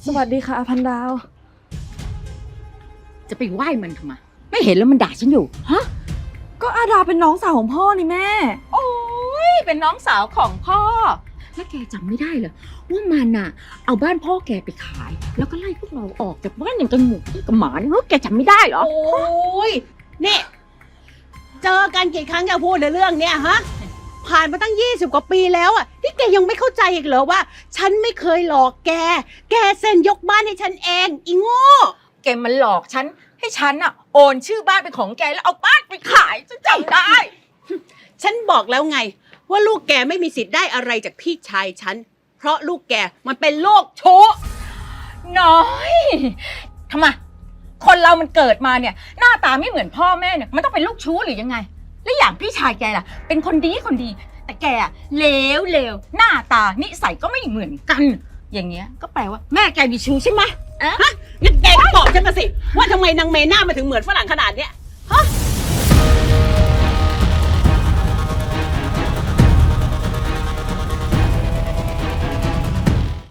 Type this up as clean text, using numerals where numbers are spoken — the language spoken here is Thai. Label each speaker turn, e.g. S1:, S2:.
S1: สวัสดีค่ะอาพันดาว
S2: จะไปไหว้มันทำไมไม่เห็นแล้วมันด่าฉันอยู่ฮะ
S1: ก็อาดาเป็นน้องสาวของพ่อนี่แม่
S2: โอ้ยเป็นน้องสาวของพ่อแล้วแกจำไม่ได้เหรอว่ามันน่ะ เอาบ้านพ่อแกไปขาย แล้วก็ไล่พวกเราออกจากบ้านอย่างกับหมูกับหมาเนี่ยเฮ้ยแกจำไม่ได้เหรอ
S3: โอ้ยนี่เจอกันกี่ครั้งจะพูดในเรื่องเนี้ยฮะผ่านมาตั้ง20 กว่าปีแล้วอ่ะที่แกยังไม่เข้าใจอีกเหรอว่า ฉันไม่เคยหลอกแกเซ็นยกบ้านให้ฉันเองอีโง่
S2: แกมันหลอกฉันให้ฉันน่ะโอนชื่อบ้านเป็นของแกแล้วเอาบ้านไปขายฉันจำได้
S3: ฉันบอกแล้วไง ว่าลูกแกไม่มีสิทธิ์ได้อะไรจากพี่ชายฉันเพราะลูกแกมันเป็นโรคชู้
S2: น้อยทำไมคนเรามันเกิดมาเนี่ย หน้าตาไม่เหมือนพ่อแม่เนี่ยมันต้องเป็นลูกชู้หรือยังไง แล้วอย่างพี่ชายแกล่ะ เป็นคนดีคนดี แต่แกอะเลวหน้าตานิสัยก็ไม่เหมือนกัน อย่างเงี้ยก็แปลว่าแม่แกมีชู้ใช่ไหม
S3: งั้นแกก็บอกฉันมาสิว่าทำไมนางเมน่ามาถึงเหมือนฝรั่งขนาดเนี้ย